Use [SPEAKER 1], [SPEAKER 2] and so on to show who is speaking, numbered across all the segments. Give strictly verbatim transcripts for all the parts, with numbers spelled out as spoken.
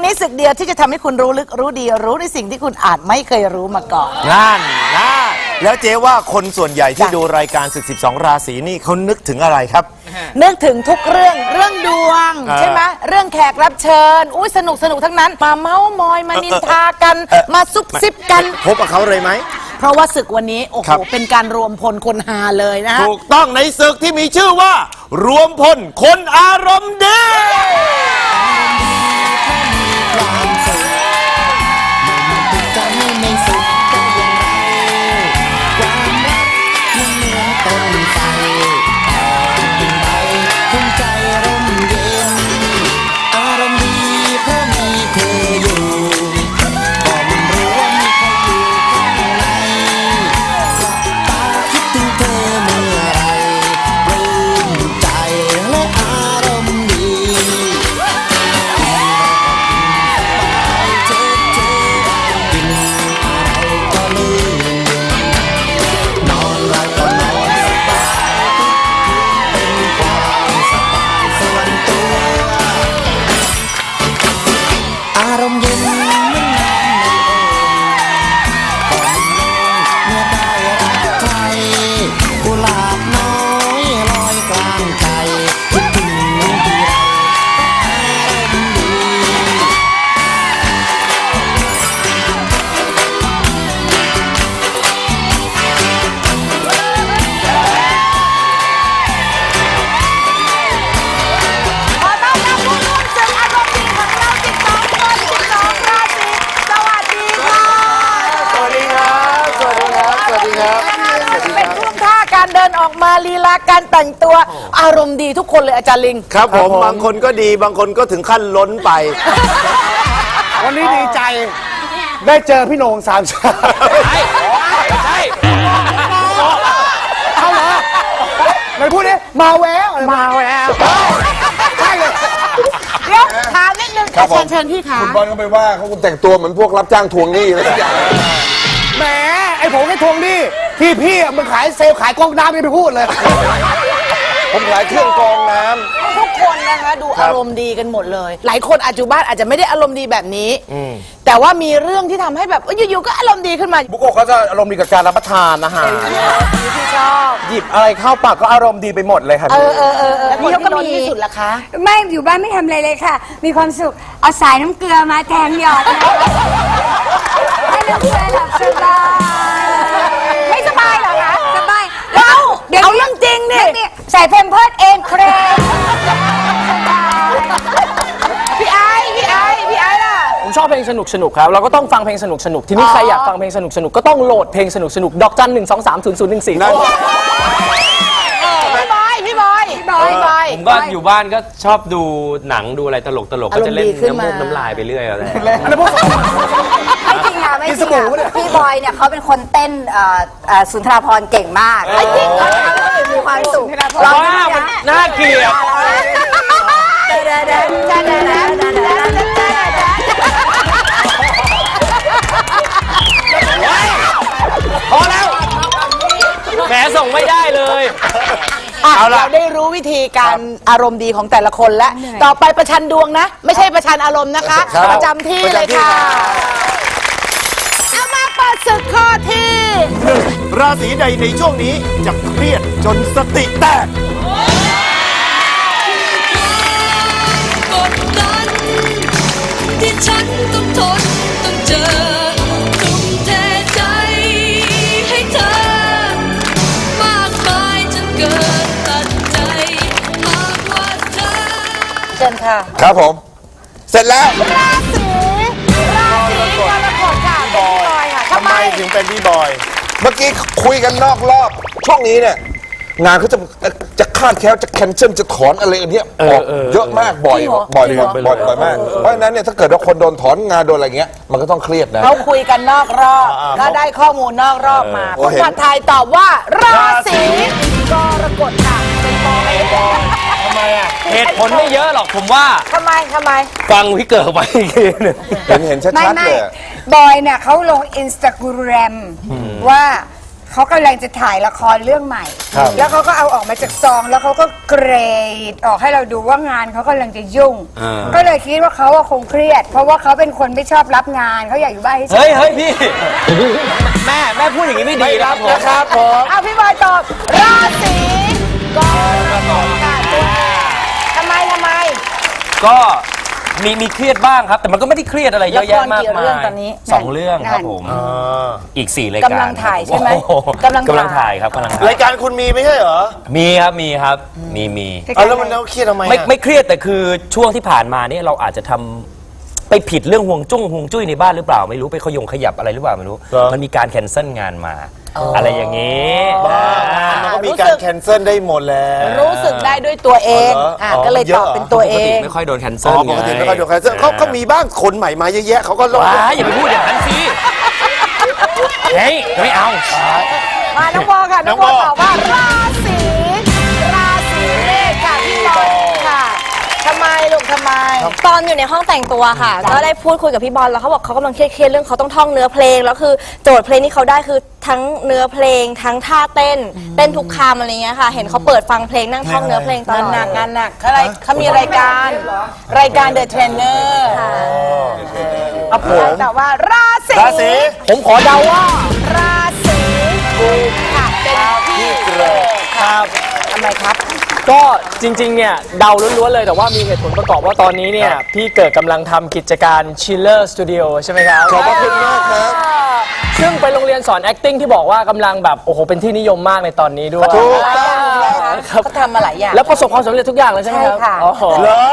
[SPEAKER 1] นี้ศึกเดียวที่จะทำให้คุณรู้ลึกรู้ดีรู้ในสิ่งที่คุณอาจไม่เคยรู้มาก่อน
[SPEAKER 2] นั่นนะแล้วเจ๊ว่าคนส่วนใหญ่ที่ดูรายการศึกสิบสองราศีนี่เขานึกถึงอะไรครับ
[SPEAKER 1] นึกถึงทุกเรื่องเรื่องดวงใช่ไหมเรื่องแขกรับเชิญอุ้ยสนุกสนุกทั้งนั้นมาเม้ามอยมานินทากันมาซุบซิบกัน
[SPEAKER 2] พบกับเขาเลยไหม
[SPEAKER 1] เพราะว่าศึกวันนี้โอ้โหเป็นการรวมพลคนฮาเลยนะ
[SPEAKER 2] ถูกต้องในศึกที่มีชื่อว่ารวมพลคนอารมณ์ดี
[SPEAKER 1] เป็นท่วงท่าการเดินออกมาลีลาการแต่งตัวอารมณ์ดีทุกคนเลยอาจารย์ลิง
[SPEAKER 2] ครับผมบางคนก็ดีบางคนก็ถึงขั้นล้นไป
[SPEAKER 3] วันนี้ดีใจได้เจอพี่โหน่งสามชาใช่ใช่เอาเหรอไหนพูดดิมาแววมาแววใช่เลย
[SPEAKER 1] เดี๋ยวถามนิดนึงเชิญเชิญพี่ขา
[SPEAKER 4] คุณบอลก็ไปว่าเขาคุณแต่งตัวเหมือนพวกรับจ้างทวงหนี้อะไรทุกอย่าง
[SPEAKER 3] แหมไอ้ผมแค่ทวงหนี้ที่พี่มันขายเซลล์ขายกองน้ำไม่ไปพูดเลย
[SPEAKER 4] ผมขายเครื่องกรองน้
[SPEAKER 1] ำทุกคนนะคะดูอารมณ์ดีกันหมดเลยหลายคนอาจจุบ้านอาจจะไม่ได้อารมณ์ดีแบบนี้แต่ว่ามีเรื่องที่ทำให้แบบอยู่ๆก็อารมณ์ดีขึ้นมา
[SPEAKER 3] บุโกะเขาจะอารมณ์ดีกับการรับประทานอาหาร
[SPEAKER 1] ที่ชอบ
[SPEAKER 3] หยิบอะไรเข้าปากก็อารมณ์ดีไปหมดเลยค่ะ
[SPEAKER 1] เออเออเออแล้วพี่เขาก็มีที่สุดละคะ
[SPEAKER 5] ไม่อยู่บ้านไม่ทำอะไรเลยค่ะมีความสุขเอาสายน้ำเกลือมาแทงหยอดให้น้ำเกลือหลับสบาย
[SPEAKER 1] ไม่สบายเหรอคะ
[SPEAKER 5] สบาย
[SPEAKER 1] เอาเดี๋ยวเอาเรื่องจริงนี่
[SPEAKER 5] ใส่เพมเพิร์ดเองเครม
[SPEAKER 1] พี่ไอ้พี่ไอ้พี่ไอ้ล่ะ
[SPEAKER 6] ผมชอบเพลงสนุกสนุกครับเราก็ต้องฟังเพลงสนุกสนุกทีนี้ใครอยากฟังเพลงสนุกสนุกก็ต้องโหลดเพลงสนุกสนุกดอกจันหนึ่งสองสามศูนย์ศูนย์หนึ่งสี่
[SPEAKER 1] พี่บอยพี่บอยพี่บอยพี่บอย
[SPEAKER 7] ผมก็อยู่บ้านก็ชอบดูหนังดูอะไรตลกตลกก็จะเล่นน้ำมูกน้ำลายไปเรื่อยอะไร
[SPEAKER 5] ไม่จริงอ่ะไม่จริงอ่ะพี่บอยเนี่ยเขาเป็นคนเต้นสุนทรภรณ์เก่งมาก
[SPEAKER 1] จริงเขา
[SPEAKER 5] มีความสุข
[SPEAKER 7] ร้องหน้ามันน่าเกลียดพอแล้วแหมส่งไม่ได้เลย
[SPEAKER 1] เอาล่ะเราได้รู้วิธีการอารมณ์ดีของแต่ละคนแล้วต่อไปประชันดวงนะไม่ใช่ประชันอารมณ์นะคะประจำที่เลยค่ะเอามาเปิดศึกข้อที่
[SPEAKER 2] หนึ่งราศีใดในช่วงนี้จะเครียดจนสติแตก
[SPEAKER 8] กดดันที่ฉันต้องทนต้องเจอทุ่มเทใจให้เธอมากมายจนเกินตัดใจหากว่าเธอ
[SPEAKER 1] เชิญค่ะ
[SPEAKER 4] ครับผมเสร็จแล้ว
[SPEAKER 1] ราศีราศีกรกฎค่ะพี่บอยค่ะ
[SPEAKER 2] ทำไมถึงเป็นพี่บอย
[SPEAKER 4] เมื่อกี้คุยกันนอกรอบช่วงนี้เนี่ยงานเขาจะจะคาดแคล้วจะแคนเซิลจะถอนอะไรอันเนี้ยออกเยอะมากบ่อยบ่อยบ่อยบ่อยมากเพราะฉะนั้นเนี่ยถ้าเกิดว่าคนโดนถอนงานโดนอะไรเงี้ยมันก็ต้องเครียดนะ
[SPEAKER 1] เขาคุยกันนอกรอบก็ได้ข้อมูลนอกรอบมาคนผัดไทยตอบว่าราศีกรกฎค่ะเป็นบอย
[SPEAKER 7] ทำไมอ่ะเหตุผลไม่เยอะหรอกผมว่า
[SPEAKER 1] ทำไมทำไม
[SPEAKER 7] ฟังพี่เกิดไปอีกทีนึง
[SPEAKER 4] เห็นเห็นชัดๆเลย
[SPEAKER 5] บอยเนี่ยเขาลงอินสตาแกรมว่าเขากำลังจะถ่ายละครเรื่องใหม่ แล้วเขาก็เอาออกมาจากซอง แล้วเขาก็เกรดออกให้เราดูว่างานเขากำลังจะยุ่ง ก็เลยคิดว่าเขาคงเครียด เพราะว่าเขาเป็นคนไม่ชอบรับงานเขาอยากอยู่บ้านให้
[SPEAKER 7] เฮ้ยเฮ้ยพี่ แม่แม่พูดอย่างนี้ไม่ดีนะครับผม
[SPEAKER 2] นะครับผม
[SPEAKER 1] เอาพี่บอยตอบราศีกรกฎค่ะตัวทำไมทำไม
[SPEAKER 7] ก็มีมีเครียดบ้างครับ แต่มันก็ไม่ได้เครียดอะไรเยอะแยะมาก
[SPEAKER 1] ละครกี่
[SPEAKER 7] มา
[SPEAKER 1] เรื่อง
[SPEAKER 7] ย
[SPEAKER 1] ตอนนี้
[SPEAKER 7] สองเรื่องครับผม อีกสี่รายการ
[SPEAKER 1] กำลังถ่ายใช่ไหม
[SPEAKER 7] โอ้โ
[SPEAKER 1] กำลังถ่าย
[SPEAKER 7] กำลังถ่ายครับกำลังถ่าย
[SPEAKER 2] รายการคุณมีไม่ใช่เหรอ
[SPEAKER 7] มีครับมีครับมีมี
[SPEAKER 2] เอาแล้วมันแล้วเครียดทำไม
[SPEAKER 7] ไม่
[SPEAKER 2] อะ
[SPEAKER 7] ไม่เครียดแต่คือช่วงที่ผ่านมาเนี่ยเราอาจจะทำไปผิดเรื่องห่วงจุ้งห่วงจุ้ยในบ้านหรือเปล่าไม่รู้ไปขยงขยับอะไรหรือเปล่าไม่รู้ มันมีการแคนเซิลงานมา อะไรอย่างนี้
[SPEAKER 2] บ้ามันก็มีการแคนเซิลได้หมดแล้ว
[SPEAKER 1] รู้สึกได้ด้วยตัวเอง
[SPEAKER 2] อ๋อเหรออ๋
[SPEAKER 1] อ่ะ
[SPEAKER 2] อ
[SPEAKER 1] ก็เลย
[SPEAKER 2] เย
[SPEAKER 1] ต
[SPEAKER 2] อะ
[SPEAKER 1] อบ
[SPEAKER 2] เหรอ
[SPEAKER 1] เป็นตัวเอ
[SPEAKER 7] ปกติ
[SPEAKER 1] ง
[SPEAKER 7] ไม่ค่อยโดนแคน
[SPEAKER 2] อ๋
[SPEAKER 7] เซิล
[SPEAKER 2] อปกติไม่ค่อยดูแคนเซิลเขาเขามีบ้างคนใหม่มาเยอะแยะเขาก็ลง
[SPEAKER 7] ว้าอย่าไปพูดอย่างนั้นสิเฮ้ยไม่เอา
[SPEAKER 1] มาน้องบอค่ะ น้องบอตอบว่าราศีราศีเมษค่ะพี่บอลค่ะทำไมลูกทำไม
[SPEAKER 9] ตอนอยู่ในห้องแต่งตัวค่ะ ก็ได้พูดคุยกับพี่บอลแล้วเขาบอกเขากำลังเครียดๆเรื่องเขาต้องท่องเนื้อเพลงแล้วคือโจทย์เพลงที่เขาได้คือทั้งเนื้อเพลง ทั้งท่าเต้น เต้นทุกคำอะไรเงี้ยค่ะ เห็นเขาเปิดฟังเพลงนั่งท่องเนื้อเพลงตล
[SPEAKER 1] งาน
[SPEAKER 9] อด
[SPEAKER 1] หนักงานหนักเขาอะไรเขามีรายการ รายการ The Trainer
[SPEAKER 2] ครับผม
[SPEAKER 1] แต่ว่าราศี
[SPEAKER 2] ราศี
[SPEAKER 6] ผมขอเดาว่า
[SPEAKER 1] ราศีกุมค่ะเป็นพี่เกรดครับทำไมครับ
[SPEAKER 6] ก็จริงๆ เนี่ยเดาล้วนๆ เลยแต่ว่ามีเหตุผลประกอบว่าตอนนี้เนี่ย พี่เกิดกำลังทำกิจการ Chiller Studio ใช่ไหมครับ
[SPEAKER 4] ขอบพระคุณมากครับ
[SPEAKER 6] ซึ่งเป็นโรงเรียนสอน acting ที่บอกว่ากำลังแบบ โอ้โห เป็นที่นิยมมากในตอนนี้ด้วย
[SPEAKER 2] ถูก
[SPEAKER 6] ครับ
[SPEAKER 1] เขาทำมาหลายอย่าง
[SPEAKER 6] แล้วประสบความสำเร็จทุกอย่างเลยใช่ไหมครับ
[SPEAKER 1] ใช่ค่ะ
[SPEAKER 6] อ๋อ
[SPEAKER 2] เหรอ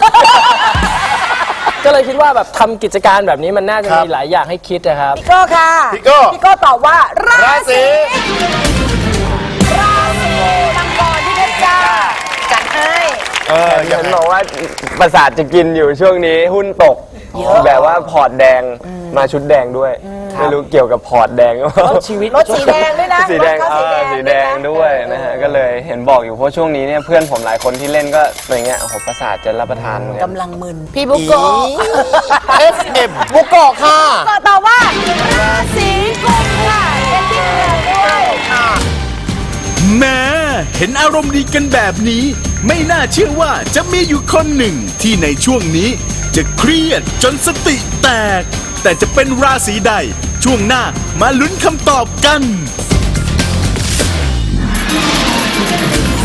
[SPEAKER 6] ก็เลยคิดว่าแบบทำกิจการแบบนี้มันน่าจะ
[SPEAKER 2] ครับ
[SPEAKER 6] มีหลายอย่างให้คิดนะครับ
[SPEAKER 1] พี่โก้ค่ะ
[SPEAKER 2] พี่โก้
[SPEAKER 1] พี่โก้ตอบว่ารา
[SPEAKER 2] ราศี
[SPEAKER 1] ราศีมังกรที่เพชรจ้าจัดให้
[SPEAKER 2] เอออ
[SPEAKER 10] เห็
[SPEAKER 2] ย่าง
[SPEAKER 10] นบอกว่าประสาทจะกินอยู่ช่วงนี้หุ้นตก แบบว่าพอร์ตแดงมาชุดแดงด้วย ไม่รู้เกี่ยวกับพอร์ตแดงหรือเปล่า
[SPEAKER 6] ชีวิต
[SPEAKER 1] รถสีแดงด้วยนะ
[SPEAKER 10] สีแดง
[SPEAKER 1] รถ
[SPEAKER 10] เอ
[SPEAKER 1] เขา
[SPEAKER 10] อสีแดงด้วยนะฮะก็เลยเห็นบอกอยู่เพราะช่วงนี้เนี่ยเพื่อนผมหลายคนที่เล่นก็อย่างเงี้ยโอ้โหประสาทจะรับประทานเหมือนกัน
[SPEAKER 1] กำลังมึน พี่บุโกะ
[SPEAKER 2] เอฟเอ็มบุโกะค่ะ
[SPEAKER 1] ก็ตอบว่าราศีกุมค่ะเป็นที่เกิดด้วยค่ะ
[SPEAKER 11] แม้เห็นอารมณ์ดีกันแบบนี้ ไม่น่าเชื่อว่าจะมีอยู่คนหนึ่งที่ในช่วงนี้จะเครียดจนสติแตก แต่จะเป็นราศีใด ช่วงหน้ามาลุ้นคำตอบกัน